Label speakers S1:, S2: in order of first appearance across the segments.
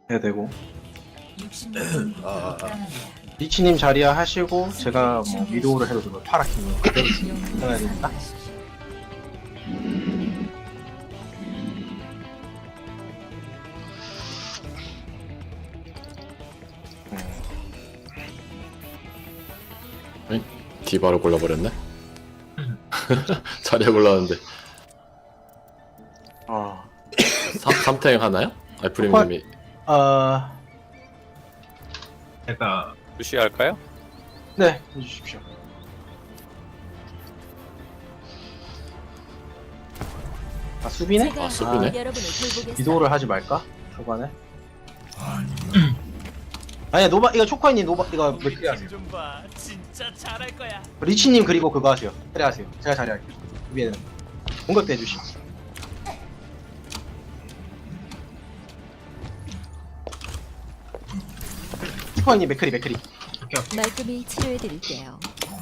S1: 해야 되고
S2: 아,
S1: 리치님 자리야 하시고 제가 뭐 위도우를 해도 되고 파라키님 그대로 해야 되니까.
S3: 디바를 골라버렸네? 자리에 골랐는데
S1: 어,
S3: 3탱 하나요? 알프림님이
S2: 제가
S4: 무시할까요?
S1: 네 해주십시오. 아 수비네?
S3: 아, 수비네?
S5: 여러분을 돌보겠어요.
S1: 위도우를 하지 말까? 초반에? 아니야 노바 이거 초코아님 노바 이거 맥크리 하세요.
S6: 좀 봐. 진짜 잘할 거야.
S1: 리치님 그리고 그거 하세요. 그래 하세요. 제가 자리할게요. 위에는 공격도 해주시고. 초코아님 맥크리.
S5: 말끔히 치료해드릴게요.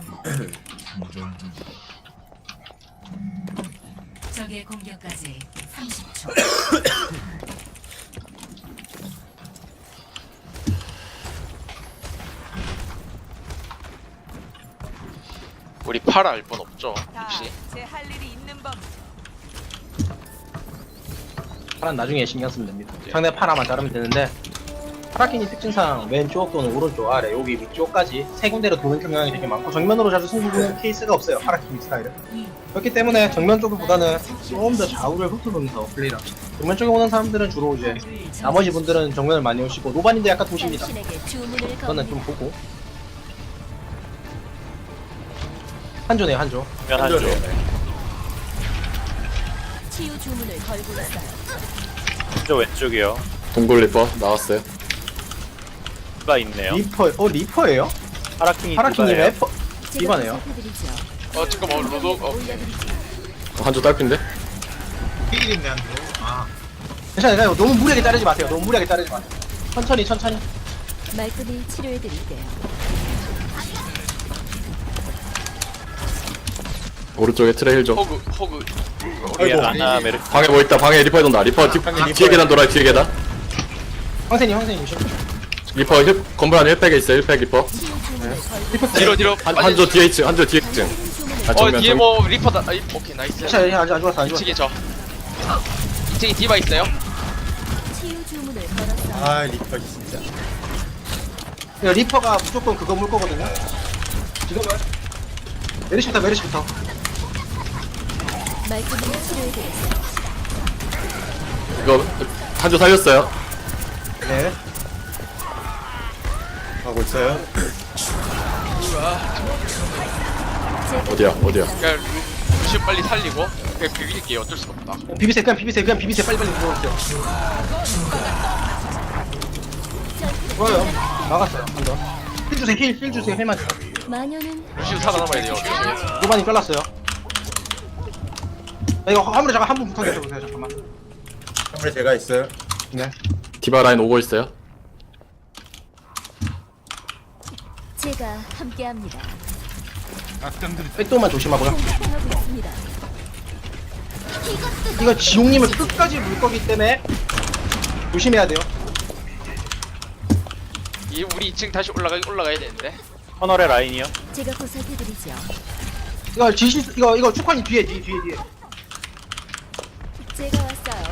S7: 적의 공격까지 30초.
S8: 우리 파라 알 뻔 없죠? 혹시?
S6: 제할 일이 있는 법.
S1: 파란 나중에 신경 쓰면 됩니다. 상대 파라만 자르면 되는데 파라키니 특징상 왼쪽 또는 오른쪽 아래 여기 위쪽까지 세 군데로 도는 경향이 되게 많고 정면으로 자주 승부 보는 케이스가 없어요. 파라키니 스타일은. 그렇기 때문에 정면 쪽보다는 좀 더 좌우를 훑어보면서 플레이를 합니다. 정면 쪽에 오는 사람들은 주로 이제 나머지 분들은 정면을 많이 오시고 노반인데 약간 도십니다.
S5: 당신에게 주문을
S1: 그거는 좀
S5: 겁니다.
S1: 보고 한조네요 한조.
S4: 면하죠.
S5: 치유 주문을 걸고 있어요.
S4: 저 왼쪽이요.
S3: 동굴 리퍼 나왔어요.
S4: 디바 있네요.
S1: 리퍼예요?
S4: 파라킹이
S1: 파라키님
S4: 디바예요.
S1: 에퍼
S5: 제가
S1: 디바네요.
S5: 보살펴드리죠.
S8: 잠깐만 로독
S5: 올려드리죠.
S3: 한조 딸핀데?
S2: 힐인데 한 대. 아,
S1: 괜찮아요. 너무 무리하게 자르지 마세요. 너무 무리하게 자르지 마세요. 천천히.
S5: 말끔히 치료해드릴게요.
S3: 오른쪽에 트레 힐 좀.
S8: 호그
S4: 우리 아나 메르
S3: 방에 뭐 있다. 방에 리퍼에 돈다. 리퍼 뒤에 계단 돌아요. 뒤에 계단.
S1: 황세님 조심.
S3: 리퍼 건물 안에 1팩에 있어요. 1팩 리퍼.
S5: 치유 주문을 걸고
S8: 뒤로
S3: 한조 뒤에 있층. 한조 뒤에 있층. 아 정면
S8: 뒤에
S3: 정.
S8: 뭐 리퍼다. 오케이 나이스.
S1: 괜찮아요. 안 죽었어.
S8: 2층에 저 2층에 디바 있어요.
S5: 치유 주문을 걸었어요.
S2: 아 리퍼 진짜.
S1: 이거 리퍼가 무조건 그거 물 거거든요. 지금은 메르시부터.
S5: 말끔히 치료해드렸어요.
S3: 이거 한조 살렸어요.
S1: 네.
S2: 하고 있어요.
S3: 어디야?
S8: 그냥 루시 빨리 살리고 그냥 비빌게요. 어쩔 수가 없다.
S1: 비비세요. 빨리 들어오세요. 좋아요. 막았어요. 한 더. 힐 주세요. 힐만.
S5: 마녀는
S8: 루시 살아남아야 돼요. 루시.
S1: 노반이 잘랐어요. 이거 화물에 잠깐 한 분 붙어 계셔보세요. 잠깐만.
S2: 선물 제가 있어요.
S1: 네.
S3: 디바 라인 오고 있어요.
S5: 제가 함께합니다.
S1: 백도만 조심하고요.
S5: 공격하고 있습니다.
S1: 이거 지용님을 끝까지 물 거기 때문에 조심해야 돼요.
S8: 우리 2층 다시 올라가야 되는데.
S4: 터널의 라인이요.
S5: 제가 보살펴드리죠.
S1: 이거 축환이 뒤에.
S5: 제가 왔어요.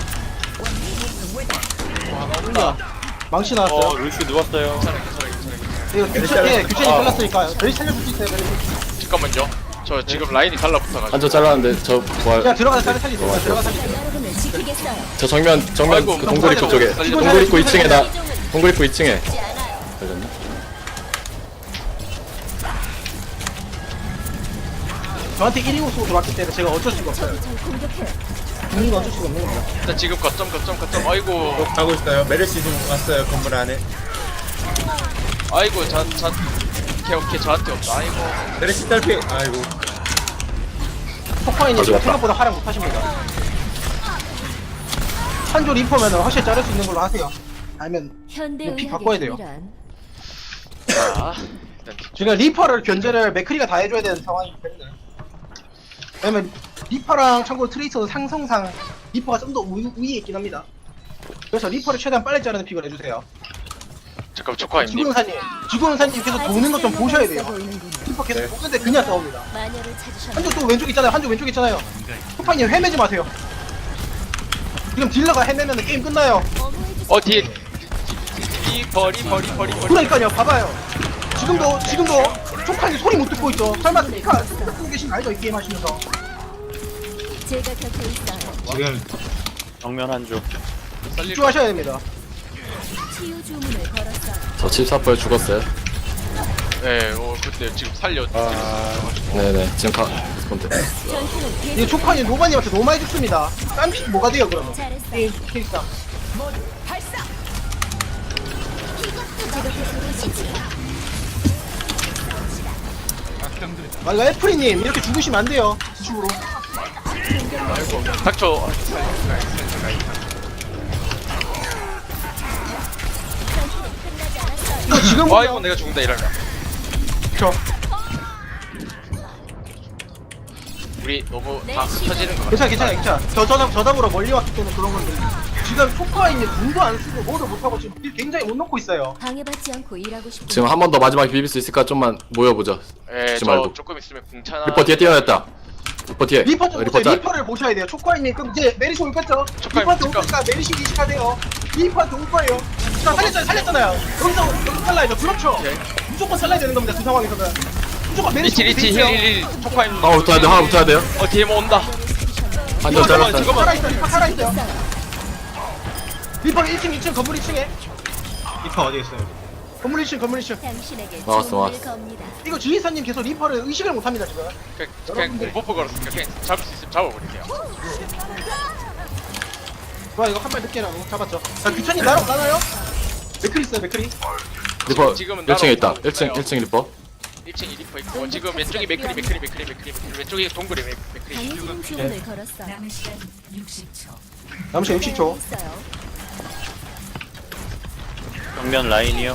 S1: 망치 나왔어요.
S4: 루시 누웠어요.
S1: 이거 규천이 잘랐으니까 저희 살려줄 수 있어요.
S8: 잠깐만요. 저 지금 라인이 달라붙어가지고.
S3: 한조 잘랐는데 저 부활.
S1: 그냥 들어가서 살리세요. 들어가서 살리세요.
S5: 여러분을 지키겠어요.
S3: 저 정면
S8: 아이고,
S3: 그 동굴 입구 쪽에.
S8: 살리고
S3: 동굴 입구 2층에 나.
S5: 이종을
S3: 동굴 입구 2층에.
S5: 죽지 않아요.
S3: 걸렸나?
S1: 저한테 1인공 쏘고 들어왔기 때문에 제가 어쩔 수가 없어요.
S5: 적이 절 공격해요.
S1: 죽는 건 어쩔 수가 없는 겁니다.
S8: 일단 지금 거점. 아이고
S2: 하고 있어요. 메르시 좀 왔어요 건물 안에.
S8: 오케이 저한테 없다. 아이고
S2: 메르시 딸피. 아이고.
S1: 포커인이
S3: 가져갔다.
S1: 생각보다 활용 못하십니다. 한조 리퍼면 확실히 자를 수 있는 걸로 하세요. 아니면
S5: 현대
S1: 피 바꿔야
S5: 의학의
S1: 돼요.
S5: 힘이란
S8: 자 일단
S1: 지금 리퍼를 견제를 맥크리가 다 해줘야 되는 상황이기 때문에. 왜냐면 리퍼랑 참고로 트레이서는 상성상 리퍼가 좀 더 우위에 있긴 합니다. 그래서 리퍼를 최대한 빨리 자르는 픽을 해주세요.
S8: 잠깐 초코아님.
S1: 지구용사님 계속 도는 것 좀 보셔야 돼요.
S5: 보이는군요.
S1: 리퍼 계속 도는데 그냥 싸웁니다.
S5: 마녀를 찾으셨나요?
S1: 한쪽 또 왼쪽 있잖아요. 한쪽 왼쪽 있잖아요. 초파님 헤매지 마세요. 지금 딜러가 헤매면 게임 끝나요.
S8: 어 뒤에 버리.
S1: 그러니까요. 봐봐요. 지금도 초파님 소리 못 듣고 있죠. 설마 스피커 듣고 계신 거 알죠? 이 게임 하시면서.
S5: 제가 곁에 있어요.
S2: 지금
S4: 정면 한조.
S1: 집중하셔야 됩니다.
S5: 치유 주문을 걸었어요.
S3: 저 74%에 죽었어요.
S8: 네, 그때 지금 살려.
S3: 네네 지금 리스폰드.
S5: 전투는
S1: 이
S5: 계속
S1: 초파님 노바님한테 너무 많이 죽습니다. 딴픽 뭐가 돼요 그러면?
S5: 잘했어요.
S1: 케이스상.
S5: 제가 곁에 있어요.
S1: 아 이거 애플이님 이렇게 죽으시면 안 돼요. 지축으로.
S8: 닥쳐.
S1: 이거 지금
S8: 아 이거
S1: 보면
S8: 내가 죽는다 이러면.
S1: 저
S8: 우리 너무 다 흩어지는 거.
S1: 괜찮아. 저 잡으러 멀리 왔기 때문에 그런 건데 지금 초파인이 궁도 안 쓰고 뭐도 못 하고 지금 딜 굉장히 못 넣고 있어요.
S5: 방해받지 않고 일하고 싶은
S3: 지금 한 번 더 마지막에 비빌 수 있을까 좀만 모여보자.
S8: 예,
S3: 죽지
S8: 저
S3: 말고.
S8: 조금 있으면 궁차나.
S3: 리퍼 뒤에 뛰어냈다. 리퍼 뒤에.
S1: 리퍼 좀
S3: 리퍼
S1: 보세요.
S3: 짤.
S1: 리퍼를 보셔야 돼요. 초파인님 그럼 이제 메리시 올 거죠?
S8: 초코아님
S1: 리퍼한테 올
S8: 잠깐.
S1: 거니까 메리시 이식하세요. 리퍼한테 올 거예요. 자 살렸잖아요. 여기서 살라야죠. 그렇죠. 무조건 살라야 되는 겁니다. 그 상황에서는 무조건 메리시
S8: 리치 힐 초코아님.
S3: 하나 붙어야 돼. 하나 붙어야 돼요.
S8: 뒤에 뭐 온다.
S3: 한점 잘랐다.
S8: 잠깐만.
S1: 살아있어. 리퍼 살아있어요. 리퍼 1층 건물 2층에
S2: 리퍼 어디 있어요?
S1: 건물 2층
S5: 당신에게
S3: 나왔어,
S5: 주문을
S3: 나왔어.
S5: 겁니다.
S1: 이거 지휘사님 계속 리퍼를 의식을 못합니다 지금.
S8: 그냥 공버프 걸었으니까 그냥 잡을 수 있으면 잡아버릴게요.
S1: 좋아 이거 한 발 늦게 나고 잡았죠. 자 규찬이 나나요? 맥크리 있어요 맥크리.
S3: 리퍼
S8: 지금은
S3: 1층에 있다.
S8: 나로
S3: 1층 리퍼.
S8: 1층 리퍼 있고 지금 왼쪽이 맥크리 왼쪽이 동굴이 맥크리.
S5: 강해지는 주문을 걸었어요.
S7: 남은 시간 60초.
S1: 남시 60초.
S5: 있어요.
S4: 정면 라인이요.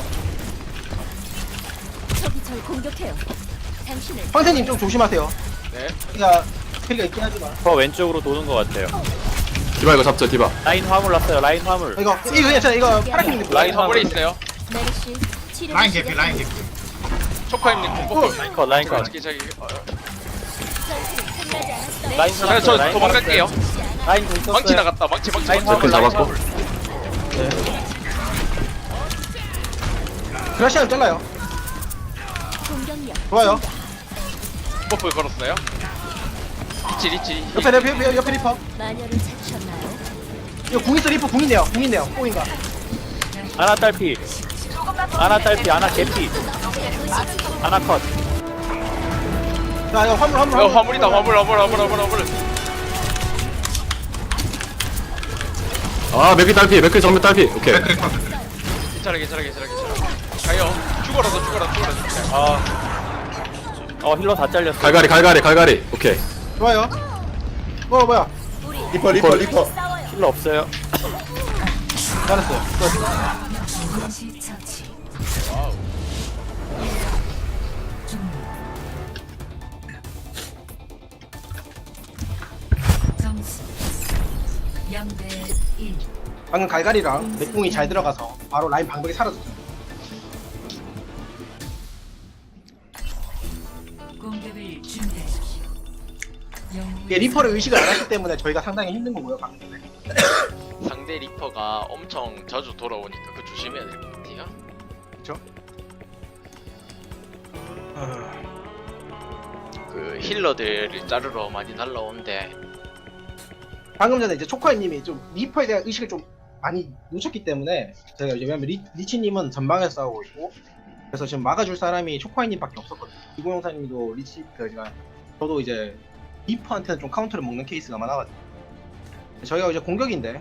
S5: 적이 절 공격해요. 당신을
S1: 황태님 좀 조심하세요.
S8: 네.
S1: 캐리가 있긴 하지만.
S4: 저 왼쪽으로 도는 것 같아요.
S3: 디바 이거 잡죠 디바.
S4: 라인 화물 났어요. 라인 화물.
S1: 이거 괜찮아 이거 파라킴님.
S8: 라인 화물에 있어요.
S5: 메르시 치료
S2: 라인 개피 라인 개피.
S8: 초코아님 공버프.
S4: 라인 컷 라인 컷.
S8: 저기
S4: 라인
S8: 저
S4: 살았어요. 라인
S8: 도망갈게요.
S4: 살았어요. 라인 공
S8: 망치
S4: 썼어요.
S8: 나갔다. 망치.
S4: 라인
S3: 제큰 잡았고.
S1: 그라시안 잘라요.
S5: 공격력
S1: 좋아요.
S8: 공버프 걸었어요. 리치.
S1: 옆에 리퍼.
S5: 마녀를 찾으셨나요?
S1: 이거 궁 있어 리퍼 궁이네요. 뽕인가.
S4: 아나 딸피. 아나 딸피. 아나 개피. 아나 컷.
S1: 자 이거 화물.
S8: 이거 화물이다. 화물.
S3: 아 맥크 딸피. 맥크 정면 딸피. 오케이.
S8: 괜찮아. 가요. 죽어라.
S4: 힐러 다 잘렸어.
S3: 갈갈이. 오케이.
S1: 좋아요. 뭐야.
S2: 리퍼.
S4: 힐러 없어요.
S1: 잘했어요.
S7: 동시 처치. 점수 0대 1.
S1: 방금 갈갈이랑 맥궁이 잘 들어가서 바로 라인 방벽이 사라졌어요.
S7: 공격을 준비하십시오.
S1: 이게 리퍼를 의식을 안 했기 때문에 저희가 상당히 힘든 거고요 방금 전에.
S8: 상대 리퍼가 엄청 자주 돌아오니까 그 조심해야 될 것 같아요.
S1: 그쵸?
S8: 그 힐러들을 자르러 많이 날라오는데
S1: 방금 전에 이제 초코아님이 좀 리퍼에 대한 의식을 좀 많이 놓쳤기 때문에 제가 이제 왜냐면 리치님은 전방에서 싸우고 있고 그래서 지금 막아줄 사람이 초코아님밖에 없었거든요. 이고영사님도 리치가 저도 이제 리퍼한테는 좀 카운터를 먹는 케이스가 많아가지고 저희가 이제 공격인데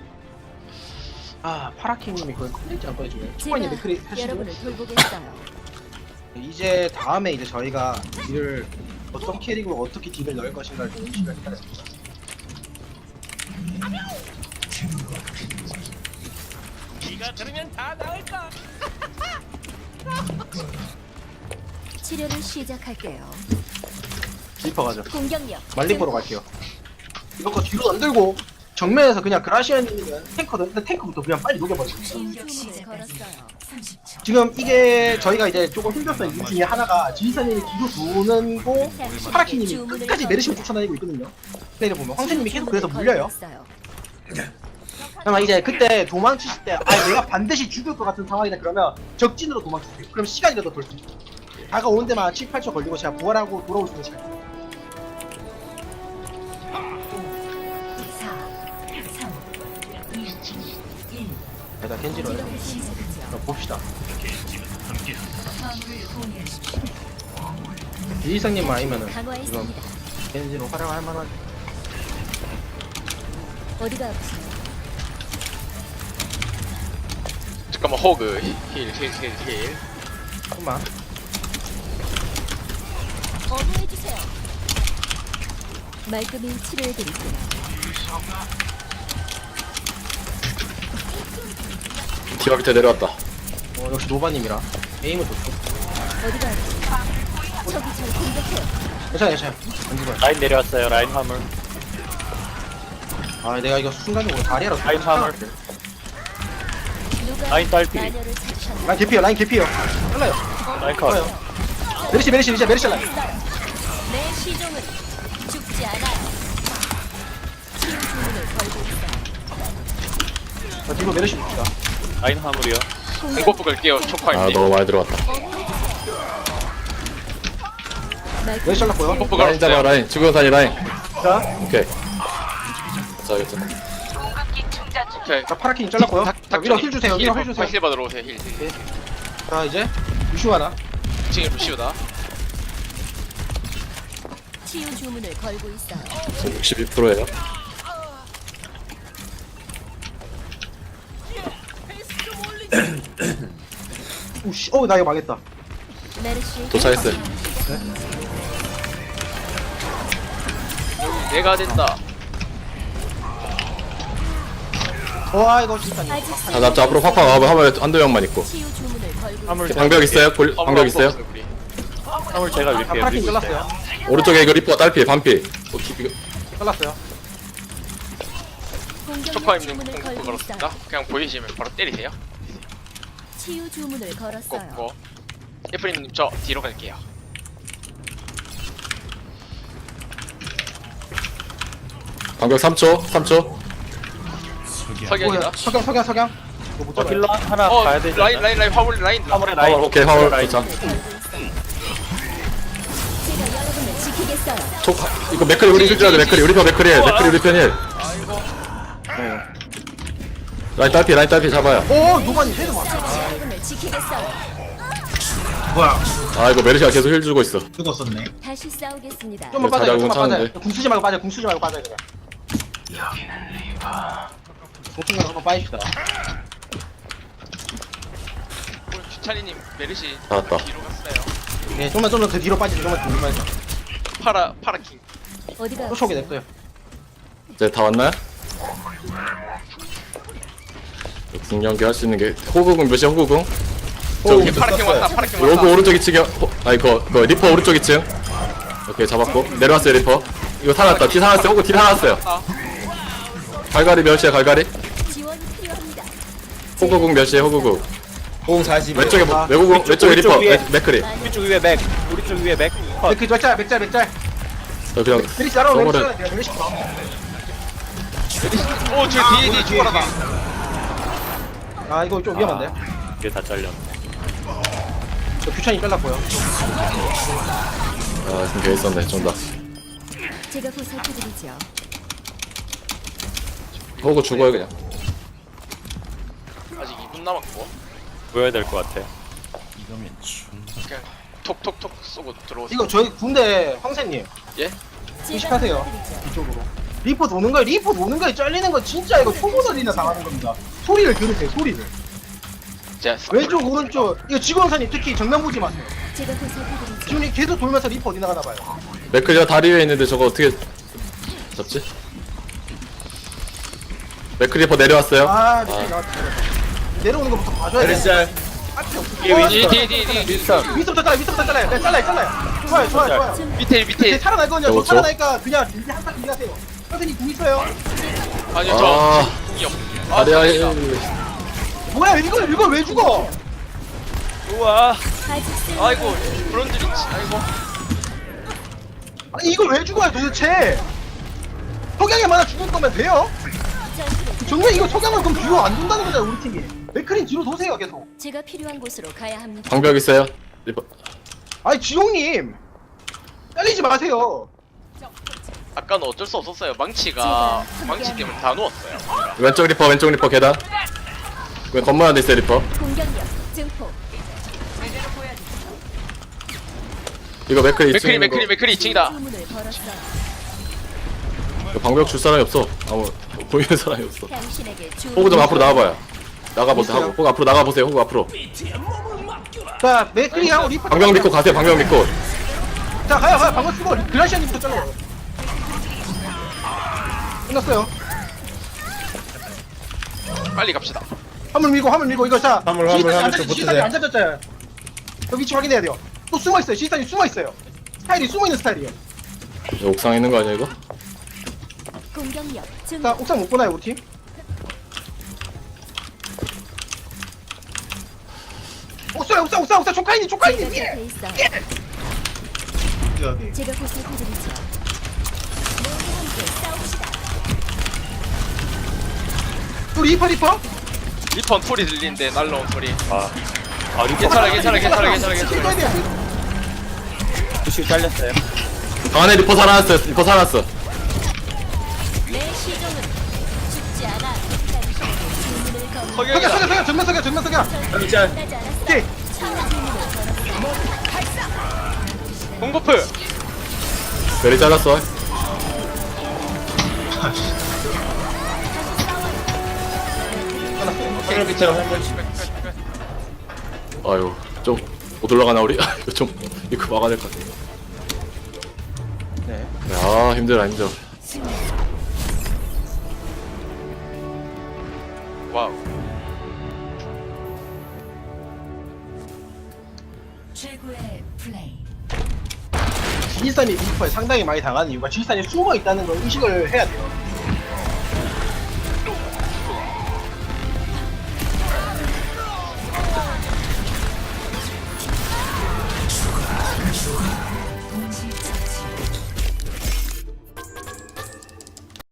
S1: 파라키님이 그걸 컴플리트 안 꺼내주네. 초코아님 맥크리
S5: 제가
S1: 하시고
S5: 여러분을 돌보겠어요.
S1: 이제 다음에 이제 저희가 딜을 어떤 캐릭으로 어떻게 딜을 넣을 것인가를 좀 의식을 해야 됩니다.
S6: 네가 들으면 다 나을까?
S5: 치료를 시작할게요.
S1: 리퍼 가죠.
S5: 공격력
S1: 말리퍼로 갈게요. 이거 거 뒤로 안 들고 정면에서 그냥 그라시아님이면 탱커든 탱커부터 그냥 빨리 녹여버리고
S7: 공격
S5: 주문을
S7: 시작까지
S5: 걸었어요.
S7: 30초.
S1: 지금 이게 저희가 이제 조금 힘들었던 이유 중에 하나가 지휘사님이 뒤로 도는 고 파라키님이 끝까지 메르시를 쫓아다니고 있거든요. 플레이를 보면 황새님이 계속 그래서 물려요. 그러면 이제 그때 도망치실 때 내가 반드시 죽을 것 같은 상황이다 그러면 적진으로 도망치세요. 그럼 시간이라도 벌 수 있어요. 다가오는 데만 7, 8초 걸리고 제가 부활하고 돌아올 수 있는 시간.
S7: 4, 3, 2, 1.
S1: 일단 겐지로
S7: 시작하죠.
S1: 봅시다.
S7: 화물을 공유하십시오.
S1: 이상님만 아니면은 지금
S5: 강화했습니다.
S1: 겐지로 활용할 만한.
S5: 어디가 아프세요?
S8: 잠깐만 호그 힐
S1: 잠깐만.
S5: 어머해주세요. 말끔히 치료해드릴게요.
S3: 디바 밑에 내려왔다.
S1: 역시 노바님이라 에임은 좋고.
S5: 어디가 아프세요? 저기 잘 공격해요.
S1: 괜찮아. 안 죽어요.
S4: 라인 내려왔어요. 라인 화물.
S1: 내가 이거 순간적으로 다리라서.
S4: 라인 화물.
S5: 누가
S4: 라인 딸피.
S5: 마녀를 찾으셨나요?
S1: 라인 개피요. 잘라요.
S4: 라인 컷.
S1: 좋아요. 메르시 이제 메르시 라인.
S5: 내 시종은 죽지 않아요. 치유 주문을 걸고 있어요.
S1: 뒤로 메르시 봅시다.
S4: 라인 화물이요.
S8: 공버프 걸게요. 초파입니다.
S3: 아 너무 많이 들어왔다.
S1: 메르시
S5: 말끔히
S1: 잘랐고요.
S8: 공버프
S3: 라인 잡아
S8: 걸었어요.
S3: 라인. 주변산이 라인.
S1: 자,
S3: 오케이. 자 이거
S8: 오케이.
S1: 파라킨 잘랐고요. 자, 위로 힐 주세요. 위로 힐 주세요.
S8: 힐 받으러 오세요. 힐.
S1: 자, 이제 루시오 하나.
S8: 2층에 루시오다.
S5: 치유 주문을 걸고 있어요.
S3: 62%예요.
S1: 오씨, 나 이거 망했다.
S5: 메르시
S3: 도착했어요.
S8: 내가 된다.
S1: 이거 진짜.
S5: 아직
S3: 자 잡자 앞으로 팍팍 와봐. 화물 한두 명만 있고.
S5: 치유 주문을 걸고
S4: 화물
S3: 방벽 있어요? 방벽 있어요?
S8: 우리.
S4: 화물 제가 밀게요.
S1: 파라킨
S4: 밀고 있어요.
S1: 잘랐어요.
S3: 오른쪽에 이거 리퍼 딸피 반피.
S1: 잘랐어요.
S5: 공격력
S8: 초파입니다.
S5: 주문을
S8: 공버프
S5: 걸고
S8: 걸었습니다.
S5: 있어요.
S8: 그냥 보이시면 바로 때리세요.
S5: 치유 주문을 걸었어요.
S8: 꽂고. 예프리님 저 뒤로 갈게요.
S3: 방벽 3초.
S8: 석양이다.
S1: 석양. 이거 못 잡아요.
S4: 힐러 하나 가야 되지
S8: 라인
S4: 않나?
S8: 라인 화물 라인.
S4: 화물에 라인.
S3: 오케이 화물.
S4: 라인.
S3: 자
S5: 제가 여러분을 지키겠어요.
S3: 이거 맥크리 우리 힐 줘야 돼. 맥크리 우리 편 힐. 라인 딸피 잡아요.
S1: 노반이 헤드 맞아.
S5: 여러분을 지키겠어요.
S2: 뭐야?
S3: 아 이거 메르시가 계속 힐 주고 있어.
S2: 죽었었네.
S5: 다시 싸우겠습니다.
S1: 좀만
S3: 자리
S1: 빠져요.
S3: 알고
S1: 좀만 빠져요.
S3: 차는데.
S1: 궁 쓰지 말고 빠져요. 그냥. 보통은 한번 빠집시다.
S8: 오늘 주찬이님 메르시
S3: 나왔다.
S8: 뒤로 갔어요.
S1: 네, 좀만 더 뒤로 빠지죠. 좀만 뒤로 빠지죠.
S8: 파라킹.
S5: 어디가
S1: 쫓아오게 냅둬요.
S3: 이제 다 왔나요? 궁연기 할 수 있는 게 호구궁 몇이야 호구궁?
S8: 오케이 파라킹 왔다. 파라킹 왔다.
S3: 요거 오른쪽 2층이야. 이거 리퍼 오른쪽 2층. 오케이 잡았고 내려왔어요 리퍼. 이거 살았다. 뒤 살았어요. 호구 뒤 살았어요. 갈갈이 몇이야 갈갈이?
S5: 지원이 필요합니다.
S3: 호구궁 몇이야 호구궁.
S2: 공 40.
S3: 왼쪽에 외국궁 왼쪽에 리퍼
S4: 위에.
S3: 맥크리.
S4: 우리 쪽 위에 맥. 우리 쪽 위에 맥. 컷.
S1: 그 맥짤.
S3: 저 그냥
S1: 메리시 따라오.
S3: 저거를
S1: 메리시.
S8: 오저 뒤에 죽어라다.
S1: 이거 좀 위험한데.
S4: 이게 다 잘렸네.
S1: 저 규찬이 잘랐고요.
S3: 아 지금 개 있었네 좀 더.
S5: 제가 보살펴드리죠.
S3: 호구 죽어요 그냥.
S8: 아직 2분 남았고.
S4: 보여야 될 것 같아.
S8: 그냥 톡톡톡 쏘고 들어오세요.
S1: 이거 저희 군대 황새님
S8: 예?
S1: 의식하세요. 이쪽으로. 리퍼 도는 거에 잘리는 거 진짜 이거 초보들이나 당하는 겁니다. 소리를 들으세요. 소리를.
S8: 자
S1: 왼쪽 오른쪽 이거 직원사님 특히 정면 보지 마세요.
S5: 제가 보살펴드리죠.
S1: 지금 이 계속 돌면서 리퍼 어디 나가나 봐요.
S3: 맥크리가 다리 위에 있는데 저거 어떻게 잡지? 맥크리 리퍼 내려왔어요.
S1: 미친 나왔다. 내려오는 거부터 봐줘야 돼.
S2: 메르시
S8: 뒤에
S1: 위서부터 잘라요. 네, 잘라요. 좋아요.
S8: 밑에
S1: 이제 살아날 거냐? 저
S3: 저거?
S1: 살아나니까 그냥 이제 한타 기하세요. 선생님 궁 있어요.
S8: 아니요
S3: 아.
S8: 저 궁이 없. 아
S3: 자리야
S8: 다행이다.
S1: 뭐야 이걸 왜 죽어?
S4: 우와.
S5: 아직 쓸
S8: 아이고 브론즈 리치. 아이고.
S1: 아니 이걸 왜 죽어요 도대체? 석양에 만나 죽을 거면 돼요? 정말 이거 석양은 그럼 뒤로 안 돈다는 거잖아요 우리 팀이. 맥크린 뒤로 도세요 계속.
S5: 제가 필요한 곳으로 가야 합니다.
S3: 방벽 있어요 리퍼.
S1: 아니 지용님 잘리지 마세요.
S8: 아까는 어쩔 수 없었어요. 망치가 망치 때문에 다 누웠어요.
S3: 왼쪽 리퍼 계단. 왜 건물 안에 있어요 리퍼.
S5: 공격력 증폭.
S3: 이거 맥클이 2층
S8: 맥크리 2층이다.
S5: 주문을 걸었어요.
S3: 방벽 줄 사람이 없어. 아무 보이는 사람이 없어.
S5: 당신에게 주.
S3: 호구 좀 앞으로 나와봐요. 나가보세요. 하고 호구 앞으로 나가보세요. 호구 앞으로.
S1: 자 맥크린하고 리퍼.
S3: 방벽 믿고 가세요. 방벽 믿고.
S1: 자 가요 방금 쓰고 글라시아님부터 잘라. 끝났어요.
S8: 빨리 갑시다.
S1: 화물 밀고 이거 자.
S2: 화물 좀 붙으세요.
S1: 안 잡혔잖아요. 그 위치 확인해야 돼요. 또 숨어 있어요. 시스탄이 숨어 있어요. 스타일이 숨어 있는 스타일이에요.
S3: 저 옥상에 있는 거 아니야 이거?
S5: 공격력
S1: 자
S5: 증폭.
S1: 옥상 못 보나요 우리 팀? 옥상 조카이님
S5: 제가
S1: 예.
S5: 곁에 있어요.
S2: 여기.
S5: 제가 보살펴드리죠. 모두 함께 싸웁시다.
S1: 또 리퍼?
S8: 리펀 소리 들리는데 날라온 소리.
S4: 아 리퍼
S8: 괜찮아.
S1: 킬거야 돼요.
S4: 부시 잘렸어요.
S3: 방 안에 리퍼 살아났어요. 리퍼 살아났어.
S5: 내 시종은 죽지 않아. 당신에게 주문을 건.
S8: 석영이다.
S1: 전면 석양.
S2: 여기 짤.
S5: 끝나지 않았어.
S1: 오케이.
S5: 차원 주문을 걸었어.
S8: 공버프.
S3: 메리 잘랐어.
S2: 화물 밑으로 화물.
S3: 아유 좀 못 올라가나 우리? 이거 좀 이거 막아야 될 것 같아.
S1: 네.
S3: 야 힘들어.
S8: 와우.
S7: 최고의 플레이.
S1: 지리산이 리퍼에 상당히 많이 당하는 이유가 지리산이 숨어 있다는 걸 의식을 해야 돼요.